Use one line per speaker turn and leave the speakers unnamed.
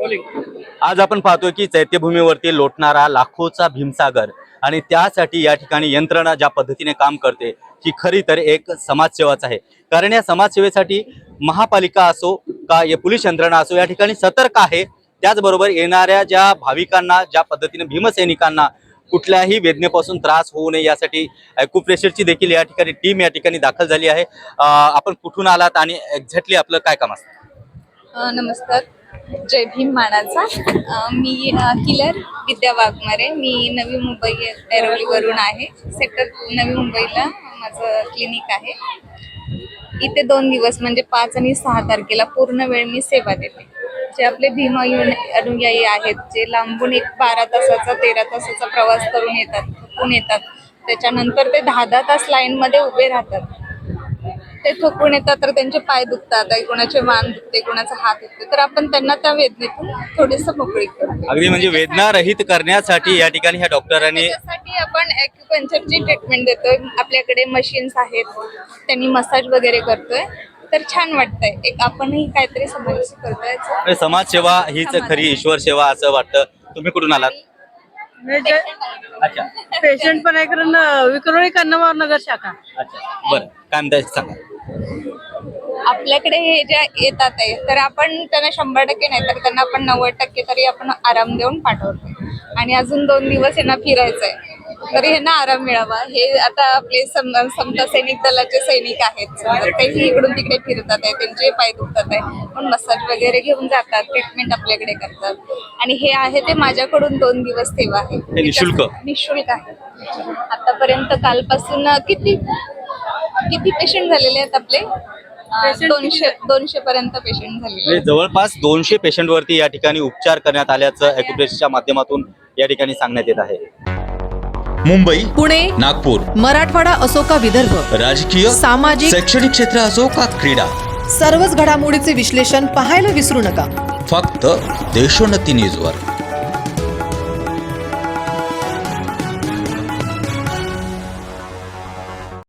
आज आपण पाहतोय की चैत्यभूमीवरती लोटणारा लाखोचा भीमसागर आणि त्यासाठी या ठिकाणी यंत्रणा ज्या पद्धतीने काम करते ही खरी तर एक समाजसेवाच आहे। कारण या समाजसेवेसाठी महापालिका असो का या पोलीस यंत्रणा असो या ठिकाणी सतर्क आहे। त्याचबरोबर येणाऱ्या ज्या भाविकांना ज्या पद्धतीने भीमसैनिकांना कुठल्याही वेदनेपासून त्रास होऊ नये यासाठी ॲक्युप्रेशरची देखील या ठिकाणी टीम या ठिकाणी दाखल झाली आहे। आपण कुठून आलात आणि एक्झॅक्टली आपलं काय काम असतं?
नमस्कार, जय भीम मानाचा। मी किलर विद्या वाघमारे। मी नवी मुंबई ऐरोलीवरून आहे। सेक्टर नवी मुंबईला माझं क्लिनिक आहे। इथे 2 दिवस म्हणजे 5 आणि 6 तारखेला पूर्ण वेळ मी सेवा देते। जे आपले भीम अनुयायी आहेत, जे लांबून एक 12 तासाचा 13 तासाचा प्रवास करून येतात, त्याच्यानंतर ते 10-10 तास लाईन मध्ये उभे राहतात। ते थकून येतात, तर त्यांचे पाय दुखतात, कोणाचे मान दुखते, कोणाचा हात दुखते, तर आपण त्यांना त्या वेदनेतून थोडीसं मोकळी करतो।
अगदी म्हणजे वेदना रहित करण्यासाठी या ठिकाणी ह्या डॉक्टरांनी
त्यासाठी आपण ॲक्युपंक्चरची ट्रीटमेंट देतोय। आपल्याकडे मशीन्स आहेत, त्यांनी मसाज वगैरे करतोय, तर छान वाटतंय। एक आपणही काहीतरी समाजाची करतोय।
समाजसेवा हीच खरी ईश्वर सेवा असं वाटतं। तुम्ही कुठून आलात? अच्छा,
पेशंट पण आहे, कारण विक्रोळी कन्नवार नगर शाखा।
अच्छा, बरं, काय म्हणताय सांगा।
आपल्याकडे हे ज्या येतात आहे, तर आपण त्यांना 100% नाही तर त्यांना आपण 90% तरी आपण आराम देऊन पाठवतो। आणि अजून 2 दिवस यांना फिरायचंय, तरी यांना आराम मिळावा। हे आता आपले समता सैनिक दलाचे सैनिक आहेत, तेही इकडून तिकडे फिरतात आहे, त्यांचे पाय दुखतात आहे, पण मसाज वगैरे घेऊन जातात, ट्रीटमेंट आपल्याकडे करतात। आणि हे आहे ते माझ्याकडून 2 दिवस सेवा आहे, निशुल्क आहे। आतापर्यंत कालपासून किती पेशंट झालेले आहेत आपले? 200 पर्यंत पेशंट झाले।
जवळपास 200 पेशंट वरती या ठिकाणी उपचार करण्यात आल्याचं ॲक्युप्रेशरच्या माध्यमातून या ठिकाणी सांगण्यात येत आहे।
मुंबई,
पुणे,
नागपूर,
मराठवाडा असो का विदर्भ,
राजकीय,
सामाजिक,
शैक्षणिक क्षेत्र असो का क्रीडा,
सर्वच घडामोडीचे विश्लेषण पाहायला विसरू नका।
फक्त देशोन्नती न्यूजवर।